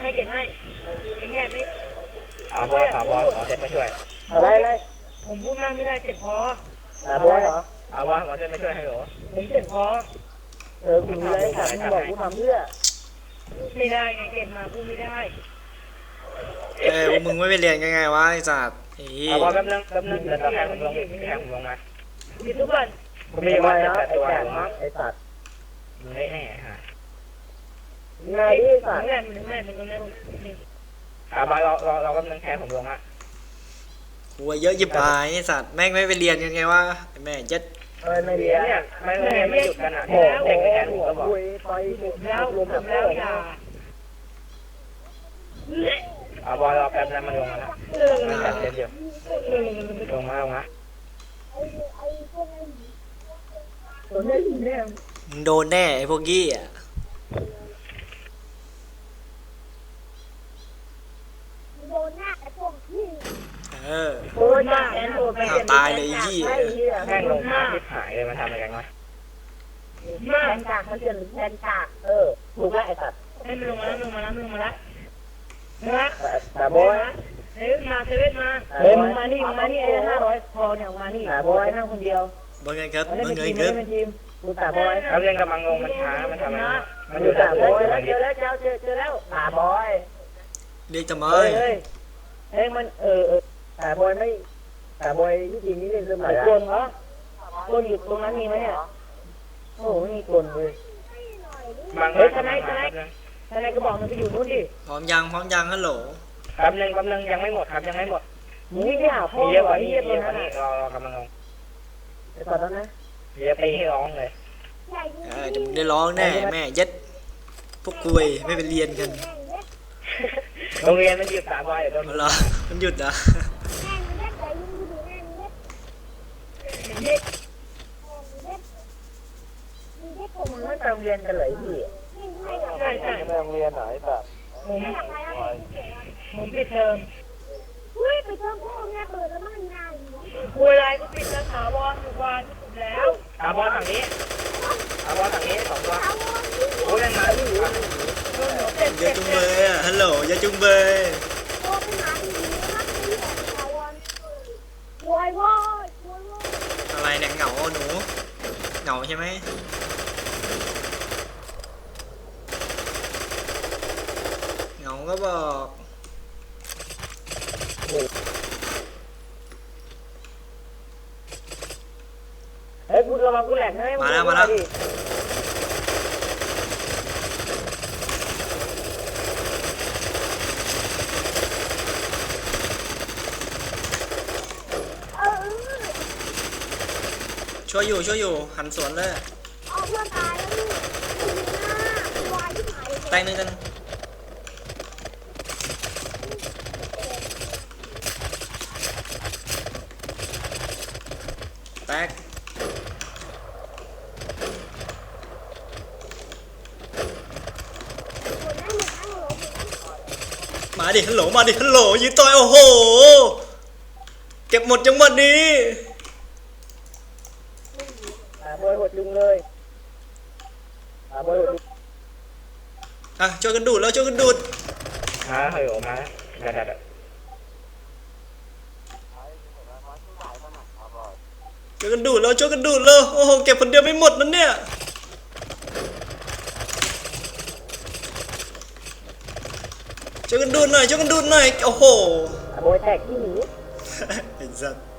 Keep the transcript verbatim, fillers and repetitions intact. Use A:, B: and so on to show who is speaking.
A: ให้เก็บให้ไอ้แง่ไม่
B: อาบอยอาบอยขอเซ็ตมาช่วย
C: อะไรอะไร
A: ผมพูดมากไม่ได้เจ็บคอ
C: อาบอยเหรอ
B: อาบอยขอเซ็ตมาช่วยให้หรอ
A: ผมเจ็บคอ
C: เออคุณอะไรถามมึงบอกกูทำเพื่อ
A: ไม่ได้ไงเก็บมาพูดไม่ได้
D: เอ้ยมึงไม่ไปเรียนยังไงวะไอ้สัตว์อี
B: อาบอยแป๊บนึงแป๊บนึงเดี๋ยวเราแข่งลงแข่งลงมา
A: มีทุกวัน
B: มีวันแต่ตัว
C: ไอ้สัตว์
B: มึงได้แน่ฮะ
C: ไงไอ้สัตว์
A: แง่มันแง่มันก็แง่
B: อาบอยเราเราเรากำลังแข่งผมลงอ่ะ
D: หัวเยอะยิบหายไอ้สัตว์แม่งไม่ไปเรียนยังไงวะแม่ยัด
C: เออไม่เรียน
B: เนี่ยไม่ไม่ไม่หยุดกันอ่ะเด็กแข่งผมก็บอก
C: ไป
A: แล้วรวมแล้วอย่า
B: อาบอยเราแป๊บนั้นมันลงมาแล้วจัดเต็มเดียวลงมาลงมา
D: มึงโดนแน่ไอ้พวกกี้อ่ะเออ
A: โอ้ยมากแอนโดนไป
D: ตายเลยยี่
B: แม่งลงมาทิพหายเลยมาทำอะไรกันวะ
A: มาก
C: แทนกากมันเกินแทนกากเออถูกแล้วไอ้สัตว์
A: ให้มันลงมาแล้วลงมาแล้วลงมาแล้วนะ
C: แต่บอย
A: เฮ้ยมาเซเว่นมา
C: เฮ้ยมึงมานี่มึงมานี่ไอ้ห้าร้อยพอเนี่ยมานี่แต่บอยนั่งคนเดียว
D: บางไงครับบางไงค
C: ครับทีมกูแต่บอย
B: เราเรียนกำลังงงมันช้ามันทำอะไรมันอ
C: ยู่แต่บอย
B: เ
C: จอแล้วเจอเจอเจอแล้วแต่บอย
D: เรียกทำไม
C: เฮ้ยเฮ้ยเฮ้ยมันเออเออแต่บอยไม่แต่บอยที่จริงนี่เล่นเสมอคนเหรอคนอยู่ตรงนั้นมีไหมเนี่ยโอ้ไม่มีคนเลยเฮ้ยทนายทนายทนายก็บอกมันไปอยู่นู่นดิ
D: พร้อมยังพร้อมยังฮัลโหล
B: แป๊บนึงแป๊บนึงยังไม่หมดครับยังไม่หมด
C: มึงนี่ไม่หาพ่อ
B: เยอะกว่านี้
C: เยอะ
B: เยอะกว่า
C: นี้
B: เราเรากำลังงง
C: ไอ้ตอนนั้นนะ
B: เยอะไปให้ร้องเลย
D: เออจะมึงได้ร้องแน่แม่ยัดพวกกุยไม่ไปเรียนกัน
B: โรงเรียนมันหยุดสามวันเดี๋ยวโดน
D: เหรอมันหยุดอ่ะ
C: มึงไม่ไปโรงเรียนกันเลยพี่
A: ใช่ใช่
B: ไปโรงเรียนไหนแบบ
A: ผมผมปิดเทอม
E: อุ้ยปิดเทอมพ่อแม่เปิดแล้วมันนาน
A: คุยอะไรก็ปิดแล้วถาวรทุกวันแล้ว
B: อาบอลฝั่งนี้อาบอลฝั่งนี้สองตัวโอ้ยยังมาที่อยู่
D: อย่าจุงเบยอ่ะฮัลโหลอย่าจุงเบย
E: โอ้ไปหาดีมากเลยถาวรวายวายวายวาย
D: อะไรเนี่ยเหงาหนูเหงาใช่ไหมเหงาก็บอก
C: เฮ้ยกูระวังกูแหลกให้
D: มาแล้วมาแล้วช่วยอยู่ช่วยอยู่หันสวนเลย
E: เอาเพื่อนตายแล้วลูกวายที่หาย
D: แตงนึงกันแตกมาดิฮัลโหลมาดิฮัลโหลยืนต่อยโอ้โหเก็บหมดจังหวัดนี้
C: หาบอยหดจุงเลยหาบอยหด
D: อ่ะช่วยกันดูดแล้วช่วยกันดูด
B: มาเฮ้ยออกมาดัดดัด
D: ช่วยกันดูดแล้วช่วยกันดูดแล้วโอ้โหเก็บคนเดียวไม่หมดนั่นเนี่ยช่วยกันดูดหน่อยช่วยกันดูดหน่อยโอ้โห
C: หาบอยแตกที่หนี
D: ไอ้สัส